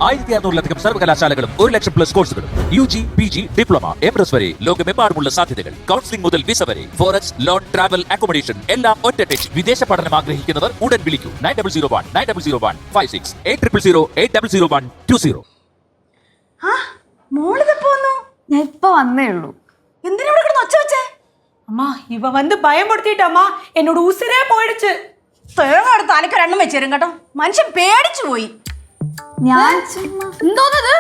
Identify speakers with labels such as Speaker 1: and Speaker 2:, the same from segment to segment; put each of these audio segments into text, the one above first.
Speaker 1: 1600-ലധികം സർവകലാശാലകളും 1,00,000+ കോഴ്സുകളും UG, PG, diploma, MS വരെ ലോകമെമ്പാടുമുള്ള സാധ്യതകൾ. കൗൺസിലിംഗ് മുതൽ വിസ വരെ. ഫോറക്സ്, ലോൺ, ട്രാവൽ, അക്കോമഡേഷൻ എല്ലാം ഒറ്റ ടച്ച്. വിദേശ പഠനം ആഗ്രഹിക്കുന്നവർ ഉടൻ വിളിക്കൂ 9001-9001-56 8008000120.
Speaker 2: ഞാൻ ഇപ്പൊ വന്നേ ഉള്ളൂ.
Speaker 3: എന്തിനാ ഇവിടെ കിടന്ന് ഒച്ച വെച്ചേ?
Speaker 4: அம்மா இவ வந்து பயமுறுத்திட்டாமா, என்னோட உசிரே போயிடுச்சு.
Speaker 3: തേങ്ങ എടുത്ത് അനക്ക് രണ്ടും വെച്ച് തരും കേട്ടോ. മനുഷ്യൻ പേടിച്ചു പോയി.
Speaker 2: ഞാൻ
Speaker 3: എന്തോന്നത്?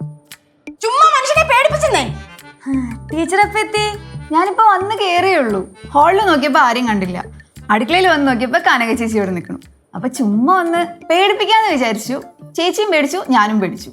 Speaker 3: ചുമ്മാ മനുഷ്യനെ പേടിപ്പിച്ചെന്നേ.
Speaker 2: ടീച്ചർ എപ്പോ എത്തി? ഞാനിപ്പോ വന്ന് കേറിയുള്ളൂ. ഹാളിൽ നോക്കിയപ്പോ ആരും കണ്ടില്ല. അടുക്കളയിൽ വന്ന് നോക്കിയപ്പോ കനക ചേച്ചി ഇവിടെ നിൽക്കണം. അപ്പൊ ചുമ്മാ ഒന്ന് പേടിപ്പിക്കാന്ന് വിചാരിച്ചു. ചേച്ചിയും പേടിച്ചു, ഞാനും പേടിച്ചു.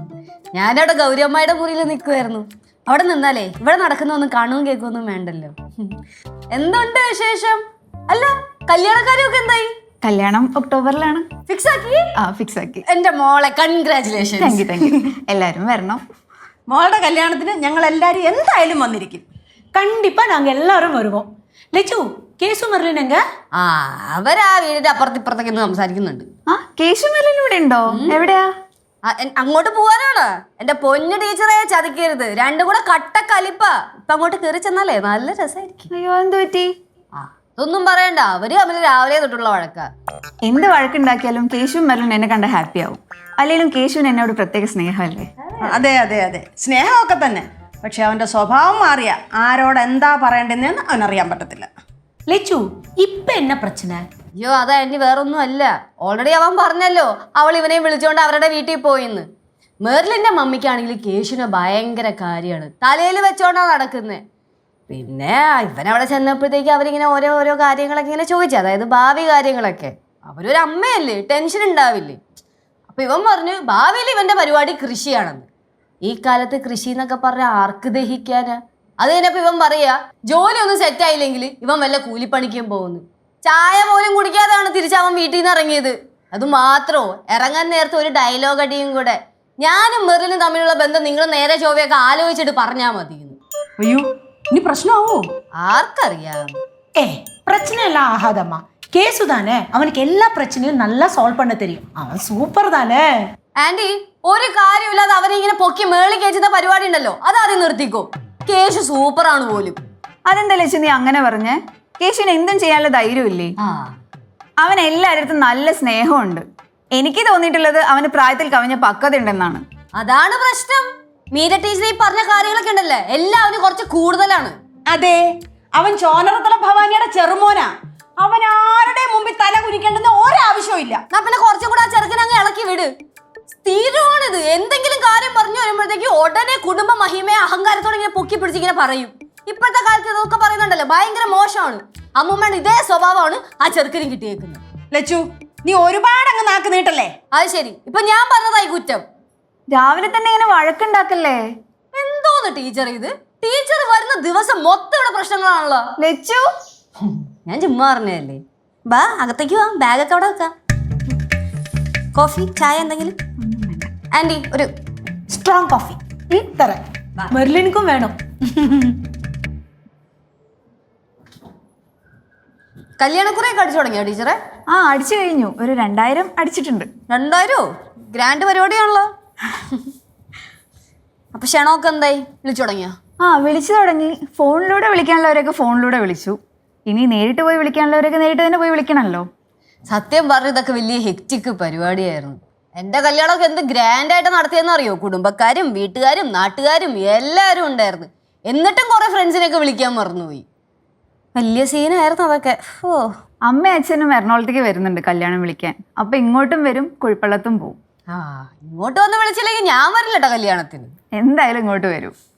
Speaker 5: ഞാനവിടെ ഗൗരിയമ്മയുടെ മുറിയിൽ നിൽക്കുമായിരുന്നു. അവിടെ നിന്നാലേ ഇവിടെ നടക്കുന്നൊന്നും കാണുകയും കേൾക്കുകയൊന്നും വേണ്ടല്ലോ. എന്തുണ്ട് വിശേഷം? അല്ല, കല്യാണക്കാരൊക്കെ എന്തായി?
Speaker 2: കല്യാണം ഒക്ടോബറിലാണ്.
Speaker 5: ഫിക്സ് ആക്കി?
Speaker 2: ഫിക്സ് ആക്കി.
Speaker 5: എന്റെ മോളെ കൺഗ്രാറ്റുലേഷൻ.
Speaker 2: Thank you. എല്ലാരും വരണം.
Speaker 3: മോളുടെ കല്യാണത്തിന് ഞങ്ങൾ എല്ലാരും എന്തായാലും വന്നിരിക്കും.
Speaker 4: கண்டிப்பா நாங்க எல்லாரும் வருவோம். லெச்சு, கேசு மர்லின் எங்க?
Speaker 5: അവരാ വീടിന്റെ അപ്പുറത്തിപ്പുറത്തൊക്കെ സംസാരിക്കുന്നുണ്ട്.
Speaker 2: കേശു മെല്ലൻ ഇവിടെ ഉണ്ടോ? എവിടെയാ?
Speaker 5: അങ്ങോട്ട് പോവാനാണ്. എന്റെ പൊന്നു ടീച്ചറെ ചതിക്കരുത്. രണ്ടും കൂടെ കട്ട കലിപ്പ. ഇപ്പൊ അങ്ങോട്ട് കയറി ചെന്നാലേ നല്ല രസമായിരിക്കും.
Speaker 2: അയ്യോ, എന്ത് പറ്റി?
Speaker 5: അതൊന്നും പറയണ്ട. അവര് തമ്മിൽ രാവിലെ തൊട്ടുള്ള വഴക്കാ.
Speaker 2: എന്ത് വഴക്കുണ്ടാക്കിയാലും കേശു മെല്ലൻ എന്നെ കണ്ട ഹാപ്പി ആവും. അല്ലെങ്കിലും കേശുവിന് എന്നോട് പ്രത്യേക സ്നേഹമല്ലേ?
Speaker 3: അതെ അതെ അതെ, സ്നേഹമൊക്കെ തന്നെ. പക്ഷെ അവന്റെ സ്വഭാവം മാറിയ ആരോട് എന്താ പറയണ്ടെന്ന് അവനറിയാൻ പറ്റത്തില്ല.
Speaker 4: லெச்சு, இப்ப என்ன பிரச்சனை?
Speaker 5: അയ്യോ, അതാ എന്നെ വേറൊന്നും അല്ല. ഓൾറെഡി അവൻ പറഞ്ഞല്ലോ അവൾ ഇവനെ വിളിച്ചോണ്ട് അവരുടെ വീട്ടിൽ പോയിന്ന്. മെർലിന്റെ മമ്മിക്കാണെങ്കിൽ കേശുവിനെ ഭയങ്കര കാര്യമാണ്. തലയിൽ വെച്ചോണ്ടാ നടക്കുന്നത്. പിന്നെ ഇവനവിടെ ചെന്നപ്പോഴത്തേക്ക് അവരിങ്ങനെ ഓരോ കാര്യങ്ങളൊക്കെ ഇങ്ങനെ ചോദിച്ചു. അതായത് ഭാവി കാര്യങ്ങളൊക്കെ. അവരൊരു അമ്മയല്ലേ, ടെൻഷൻ ഉണ്ടാവില്ലേ. അപ്പൊ ഇവൻ പറഞ്ഞു ഭാവിയിൽ ഇവന്റെ പരിപാടി കൃഷിയാണെന്ന്. ഈ കാലത്ത് കൃഷി എന്നൊക്കെ പറഞ്ഞ ആർക്ക് ദഹിക്കാനാ? അത് കഴിഞ്ഞപ്പോ ഇവൻ പറയാ ജോലി ഒന്നും സെറ്റ് ആയില്ലെങ്കിൽ ഇവൻ വല്ല കൂലിപ്പണിക്കും പോകുന്നു. ചായ പോലും കുടിക്കാതെയാണ് തിരിച്ചവൻ വീട്ടിൽ നിന്ന് ഇറങ്ങിയത്. അത് മാത്രോ, ഇറങ്ങാൻ നേരത്തെ ഒരു ഡയലോഗ് അടിയും കൂടെ. ഞാനും മെറിലും തമ്മിലുള്ള ബന്ധം നിങ്ങൾ നേരെ ചൊവ്വയൊക്കെ ആലോചിച്ചിട്ട് പറഞ്ഞാ മതി.
Speaker 3: അയ്യോ, ഇനി പ്രശ്നമാവോ?
Speaker 5: ആർക്കറിയാം.
Speaker 4: பிரச்சனை எல்லாம் ஆகாதம்மா. கேசு தானே, அவனுக்கு எல்லா பிரச்சனையும் நல்லா சால்வ் பண்ண தெரியும். அவன் சூப்பர் தானே.
Speaker 5: ആന്റി, ഒരു കാര്യമില്ലാതെ അവരിങ്ങനെ പൊക്കി മേളി കയറ്റുന്ന പരിപാടി ഉണ്ടല്ലോ, അതാദ്യം നിർത്തിക്കോ. കേശു സൂപ്പറാണ് പോലും.
Speaker 2: അതെന്താ ലക്ഷ്യം നീ അങ്ങനെ പറഞ്ഞേ? കേശുവിന് എന്തും ചെയ്യാനുള്ള ധൈര്യമില്ലേ? അവൻ എല്ലാവരുടെ നല്ല സ്നേഹമുണ്ട്. എനിക്ക് തോന്നിയിട്ടുള്ളത് അവന് പ്രായത്തിൽ കവിഞ്ഞ പക്വത ഉണ്ടെന്നാണ്.
Speaker 5: അതാണ് പ്രശ്നം. മീര ടീച്ചർ ഈ പറഞ്ഞ കാര്യങ്ങളൊക്കെ ഉണ്ടല്ലേ, എല്ലാം അവന് കുറച്ച് കൂടുതലാണ്.
Speaker 3: അതെ, അവൻ ചോനറത്തല ഭവാനിയുടെ ചെറുമോനാ. അവൻ ആരുടെ മുമ്പിൽ തല കുനിക്കേണ്ടെന്ന് ഒരാവശ്യവും ഇല്ല.
Speaker 5: പിന്നെ കുറച്ചും കൂടെ ആ ചെറുക്കനെ അങ്ങ് ഇളക്കി വിട്. സ്ഥിരമാണിത്. എന്തെങ്കിലും കാര്യം പറഞ്ഞു വരുമ്പോഴത്തേക്ക് ഉടനെ കുടുംബ മഹിമയെ അഹങ്കാരത്തോടെ ഇങ്ങനെ പൊക്കി പിടിച്ചിങ്ങനെ പറയും. ഇപ്പോഴത്തെ കാലത്ത് ഇതൊക്കെ പറയുന്നുണ്ടല്ലോ, ഭയങ്കര മോശമാണ്. അമ്മൂമ്മയുടെ ഇതേ സ്വഭാവമാണ് ആ ചെറുക്കനും കിട്ടിയേക്കുന്നത്.
Speaker 3: ലച്ചു, നീ ഒരുപാട് അങ്ങ് നാക്ക് നീട്ടല്ലേ.
Speaker 5: അത് ശരി, ഇപ്പൊ ഞാൻ പറഞ്ഞതായി കുറ്റം.
Speaker 2: രാവിലെ തന്നെ ഇങ്ങനെ വഴക്കുണ്ടാക്കല്ലേ.
Speaker 5: എന്തോന്ന് ടീച്ചർ ഇത്? ടീച്ചർ വരുന്ന ദിവസം മൊത്തം ഇവിടെ പ്രശ്നങ്ങളാണല്ലോ.
Speaker 2: ലച്ചു,
Speaker 5: ഞാൻ ചുമ്മാ പറഞ്ഞതല്ലേ. ബാ, അകത്തേക്ക് വാ, ബാഗൊക്കെ അവിടെ വെക്കാം. കോഫി, ചായ എന്തെങ്കിലും? ആന്റി, ഒരു
Speaker 4: ஸ்ட்ராங் காஃபி தரேன். மெர்லினுக்கும் வேணும்.
Speaker 5: കല്യാണക്കുറയൊക്കെ അടിച്ചു തുടങ്ങിയോ ടീച്ചറെ?
Speaker 2: അടിച്ചു കഴിഞ്ഞു. ഒരു 2000 അടിച്ചിട്ടുണ്ട്.
Speaker 5: 2000? ഗ്രാൻഡ് പരിപാടിയാണല്ലോ. അപ്പൊ ക്ഷണമൊക്കെ എന്തായി? വിളിച്ചു തുടങ്ങിയോ?
Speaker 2: വിളിച്ചു തുടങ്ങി. ഫോണിലൂടെ വിളിക്കാനുള്ളവരൊക്കെ ഫോണിലൂടെ വിളിച്ചു. ഇനി നേരിട്ട് പോയി വിളിക്കാനുള്ളവരൊക്കെ നേരിട്ട് തന്നെ പോയി വിളിക്കണമല്ലോ.
Speaker 5: സത്യം പറഞ്ഞ ഇതൊക്കെ വലിയ ഹെക്റ്റിക് പരിപാടിയായിരുന്നു. എൻ്റെ കല്യാണമൊക്കെ എന്ത് ഗ്രാൻഡായിട്ട് നടത്തിയെന്ന് അറിയോ? കുടുംബക്കാരും വീട്ടുകാരും നാട്ടുകാരും എല്ലാവരും ഉണ്ടായിരുന്നു. എന്നിട്ടും കുറെ ഫ്രണ്ട്സിനെയൊക്കെ വിളിക്കാൻ മറന്നുപോയി. വലിയ സീനായിരുന്നു അതൊക്കെ.
Speaker 2: അമ്മയും അച്ഛനും എറണാകുളത്തേക്ക് വരുന്നുണ്ട് കല്യാണം വിളിക്കാൻ. അപ്പൊ ഇങ്ങോട്ടും വരും, കുഴിപ്പള്ളത്തും പോവും.
Speaker 5: ഇങ്ങോട്ട് വന്ന് വിളിച്ചില്ലെങ്കിൽ ഞാൻ വരില്ല കേട്ടോ കല്യാണത്തിന്.
Speaker 2: എന്തായാലും ഇങ്ങോട്ട് വരും.